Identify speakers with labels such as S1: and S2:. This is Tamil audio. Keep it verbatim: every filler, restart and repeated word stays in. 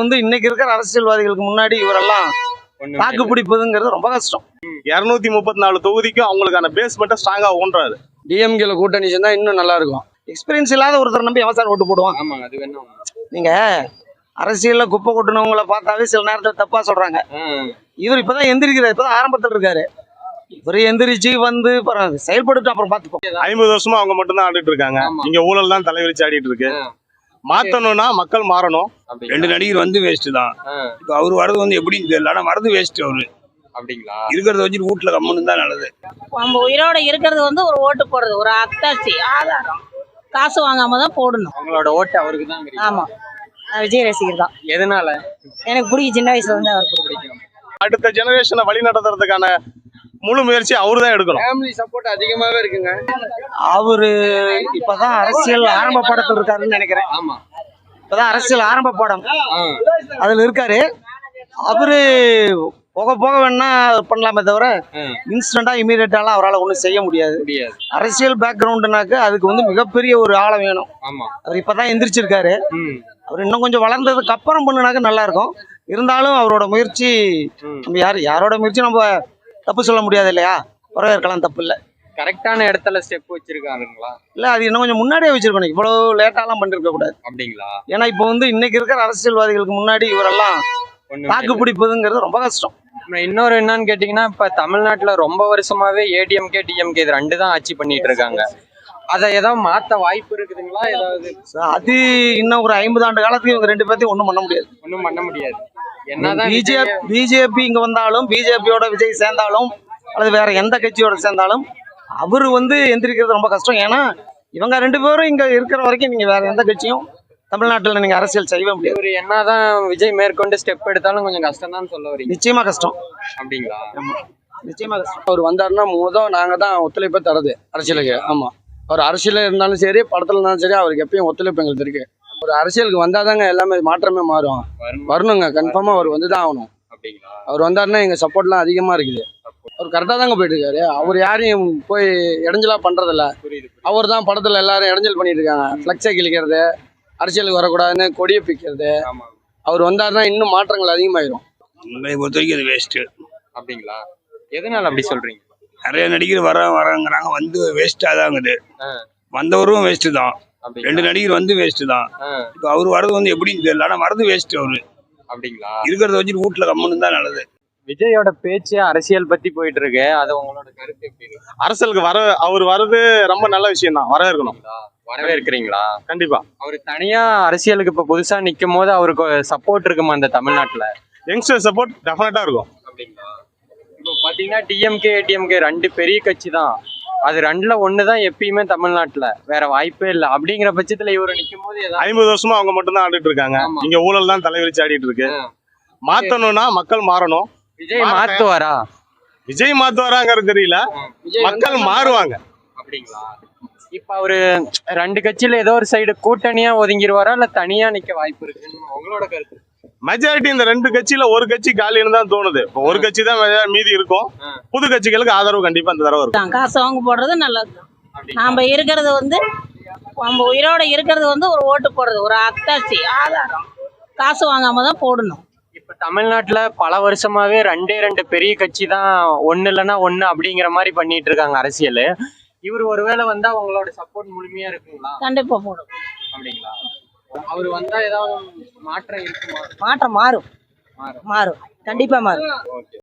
S1: வந்து இன்னைக்கு இருக்கிற அரசியல்வாதிகளுக்கு முன்னாடி இவரெல்லாம் தாக்கு பிடிப்பதுங்கிறது ரொம்ப கஷ்டம்.
S2: இருநூத்தி முப்பத்தி நாலு தொகுதிக்கும் அவங்களுக்கான பேஸ்மெண்ட்டை ஸ்ட்ராங்கா ஊன்றாரு.
S1: டிஎம்கேல கூட்டணி சேர்ந்தா இன்னும் நல்லா இருக்கும். எக்ஸ்பீரியன்ஸ் இல்லாத ஒருத்தர் நம்பி அவசாரம் ஓட்டு போடுவான்.
S3: ஆமாங்க, அது வேணும்.
S1: நீங்க அரசியல்ல குப்பை கொட்டினவங்களை பார்த்தாவே சில நேரத்தில் தப்பா சொல்றாங்க. இவர் இப்பதான் எந்திரிக்கிறார், இப்பதான் ஆரம்பத்தில் இருக்காரு. இவர் எந்திரிச்சு வந்து செயல்பட்டு அப்புறம் பார்த்துப்போம்.
S2: ஐம்பது வருஷமா அவங்க மட்டும் தான் ஆடிட்டு இருக்காங்க. இங்க ஊழல் தான் தலைவிரிச்சு ஆடிட்டு இருக்கு. மாத்தணும்னா மக்கள் மாறணும்.
S4: ரெண்டு நடிகர் வந்து வேஸ்ட் தான். இப்ப அவரு வரது வந்து எப்படின்னு தெரியல, ஆனா வரது வேஸ்ட். அவரு
S3: அப்படிங்களா?
S4: இருக்கிறத வச்சு வீட்டுல கம்மனு தான் நல்லது.
S5: நம்ம உயிரோட இருக்கிறது வந்து ஒரு ஓட்டு போடுறது, ஒரு அத்தாட்சி ஆதாரம். காசு வாங்காம தான் போடணும்.
S3: அவங்களோட ஓட்டு அவருக்கு தான்.
S5: ஆமா, நான் விஜய் ரசிகர் தான்.
S3: எதனால? எனக்கு
S5: பிடிக்கும், சின்ன வயசுல இருந்து அவருக்கு பிடிக்கும்.
S2: அடுத்த ஜெனரேஷனை வழி நடத்துறதுக்கான முழு முயற்சி அவரு தான் எடுக்கணும்.
S3: ஃபேமிலி சப்போர்ட் அதிகமாவே இருக்குங்க.
S1: அவரு இப்பதான் அரசியல் ஆரம்ப படத்தில் இருக்காருன்னு நினைக்கிறேன்.
S3: ஆமா,
S1: இப்பதான் அரசியல் ஆரம்ப படம் அதுல இருக்காரு. அவரு போக போக வேணா பண்ணலாமே தவிர இன்ஸ்டன்டா இமீடியட்டாலாம் அவரால் ஒன்றும் செய்ய முடியாது. அரசியல் பேக்ரவுண்டுனாக்க அதுக்கு வந்து மிகப்பெரிய ஒரு ஆழம் வேணும். அவர் இப்பதான் எந்திரிச்சிருக்காரு. அவர் இன்னும் கொஞ்சம் வளர்ந்ததுக்கு அப்புறம் பண்ணுனாக்க நல்லா இருக்கும். இருந்தாலும் அவரோட முயற்சி நம்ம யார் யாரோட முயற்சி நம்ம தப்பு சொல்ல முடியாது இல்லையா? வரவேற்கலாம், தப்பு இல்லை.
S3: கரெக்டான இடத்துல ஸ்டெப் வச்சிருக்காருங்களா?
S1: இல்ல, அது இன்னும் கொஞ்சம் முன்னாடியே வச்சிருக்கணும். இவ்வளவு லேட்டாலாம் பண்ணிருக்க கூடாது.
S3: அப்படிங்களா?
S1: ஏன்னா இப்போ வந்து இன்னைக்கு இருக்கிற அரசியல்வாதிகளுக்கு முன்னாடி இவரெல்லாம் தாக்கு பிடிப்பதுங்கிறது ரொம்ப கஷ்டம்.
S3: இன்னொரு என்னன்னு கேட்டீங்கன்னா, இப்ப தமிழ்நாட்டுல ரொம்ப வருஷமாவே ஏடிஎம்கே டிஎம்கே இது ரெண்டு தான் ஆட்சி பண்ணிட்டு இருக்காங்க. அதை ஏதாவது மாத்த வாய்ப்பு இருக்குதுங்களா? ஏதாவது
S1: அது இன்னும் ஒரு ஐம்பது ஆண்டு காலத்துக்கு இவங்க ரெண்டு பேர்த்தையும் ஒன்றும் பண்ண முடியாது.
S3: ஒன்றும் பண்ண முடியாது. என்னதான்
S1: பிஜேபி பிஜேபி இங்க வந்தாலும், பிஜேபியோட விஜய் சேர்ந்தாலும், அல்லது வேற எந்த கட்சியோட சேர்ந்தாலும் அவரு வந்து எந்திரிக்கிறது ரொம்ப கஷ்டம். ஏன்னா இவங்க ரெண்டு பேரும் இங்க இருக்கிற வரைக்கும் நீங்க வேற எந்த கட்சியும் தமிழ்நாட்டில் நீங்க அரசியல் செய்ய முடியாது.
S3: ஒரு என்னதான் விஜய் மேற்கொண்டு ஸ்டெப் எடுத்தாலும் கொஞ்சம் கஷ்டம் தான் சொல்ல வரீங்க.
S1: நிச்சயமா கஷ்டம்.
S3: அப்படிங்களா?
S1: நிச்சயமா கஷ்டம்.
S6: அவர் வந்தாருன்னா முதல் நாங்க தான் ஒத்துழைப்பை தரது அரசியலுக்கு. ஆமா, அவர் அரசியல இருந்தாலும் சரி, படத்துல இருந்தாலும் சரி, அவருக்கு எப்பயும் ஒத்துழைப்பு எங்களுக்கு இருக்கு. ஒரு அரசியலுக்கு வந்தாதாங்க எல்லாமே மாற்றமே மாறும். வரணுங்க, கன்ஃபார்மா அவர் வந்துதான் ஆகணும். அவர் வந்தாருன்னா எங்க சப்போர்ட்லாம் அதிகமா இருக்குது. அவர் கரெக்டா தாங்க போயிட்டு இருக்காரு. அவர் யாரையும் போய் இடைஞ்சலா பண்றதில்ல. அவர் தான் படத்துல எல்லாரும் இடைஞ்சல் பண்ணிட்டு இருக்காங்க. ஃபிளக்ஸை கிழிக்கிறது, அரசியலுக்கு வரக்கூடாதுன்னு கொடியை பிக்கிறது. அவர் வந்தாருன்னா இன்னும் மாற்றங்கள் அதிகமாயிரும்.
S4: உங்களை பொறுத்த வரைக்கும் அது வேஸ்ட்.
S3: அப்படிங்களா? எதனால அப்படி சொல்றீங்க?
S4: நிறைய நடிகர் வர வரங்கிறாங்க, வந்து வேஸ்டா தாங்குது. வந்தவரும் வேஸ்ட் தான். ரெண்டு நடிகர் வந்து வேஸ்ட் தான். இப்ப அவரு வரது வந்து எப்படின்னு தெரியல, ஆனா வரது வேஸ்ட். அவரு
S3: அப்படிங்களா?
S4: இருக்கிறத வச்சு வீட்டுல கம்மனு தான் நல்லது.
S3: விஜயோட பேச்சு அரசியல் பத்தி போயிட்டு இருக்கு, அது உங்களோட கருத்து எப்படி இருக்கு?
S2: அரசியலுக்கு வர அவர் வர்றது ரொம்ப நல்ல விஷயம் தான், வரவேற்கணும்.
S3: வரவேற்கிறீங்களா?
S2: கண்டிப்பா.
S3: அவர் தனியா அரசியலுக்கு இப்ப புதுசா நிக்கும் போது அவருக்கு சப்போர்ட் இருக்குமா அந்த தமிழ்நாட்டுல?
S2: யங்ஸ்டர் சப்போர்ட் டெஃபினட்டா இருக்கும்.
S3: அப்படிங்களா? இப்போ பாத்தீங்கன்னா டிஎம்கே ஏடிஎம்கே ரெண்டு பெரிய கட்சி தான். அது ரெண்டுல ஒண்ணுதான் எப்பயுமே தமிழ்நாட்டுல, வேற வாய்ப்பே இல்லை. அப்படிங்கிற பட்சத்துல இவரு நிக்கும் போது
S2: ஐம்பது வருஷமா அவங்க மட்டும் தான் ஆடிட்டு இருக்காங்க. இங்க ஊழல் தான் தலைவிரிச்சு ஆடிட்டு இருக்கு. மாத்தணும்னா மக்கள் மாறணும்.
S3: விஜய் மாத்துவாரா?
S2: விஜய் மாத்துவாராங்கிறது தெரியல, மக்கள் மாறுவாங்க.
S3: அப்படிங்களா? இப்ப அவரு ரெண்டு கட்சியில ஏதோ ஒரு சைடு கூட்டணியா ஒதுங்கிடுவாரா, இல்ல தனியா நிக்க வாய்ப்பு இருக்கு? உங்களோட கருத்து?
S2: மெஜாரிட்டி இந்த ரெண்டு கட்சியில ஒரு கட்சி காலின்னு தான் தோணுது. ஒரு கட்சி தான் மீதி இருக்கும். புது கட்சிகளுக்கு ஆதரவு கண்டிப்பா இந்த தடவை இருக்கும்.
S5: காசு வாங்க போடுறது நல்லது. நாம இருக்கிறது வந்து நம்ம உயிரோட இருக்கிறது வந்து ஒரு ஓட்டு போடுறது, ஒரு அத்தாட்சி ஆதாரம். காசு வாங்காம தான் போடணும்.
S3: இப்ப தமிழ்நாட்டுல பல வருஷமாவே ரெண்டே ரெண்டு பெரிய கட்சி தான் ஒண்ணு இல்லைன்னா ஒண்ணு அப்படிங்கிற மாதிரி பண்ணிட்டு இருக்காங்க அரசியல். இவர் ஒருவேளை வந்தா உங்களோட சப்போர்ட் முழுமையா இருக்குங்களா?
S5: கண்டிப்பா போடும்.
S3: அப்படிங்களா? அவர் வந்தா ஏதாவது மாற்றம் இருக்குமா?
S5: மாற்றம் மாறும், மாறும், கண்டிப்பா மாறும்.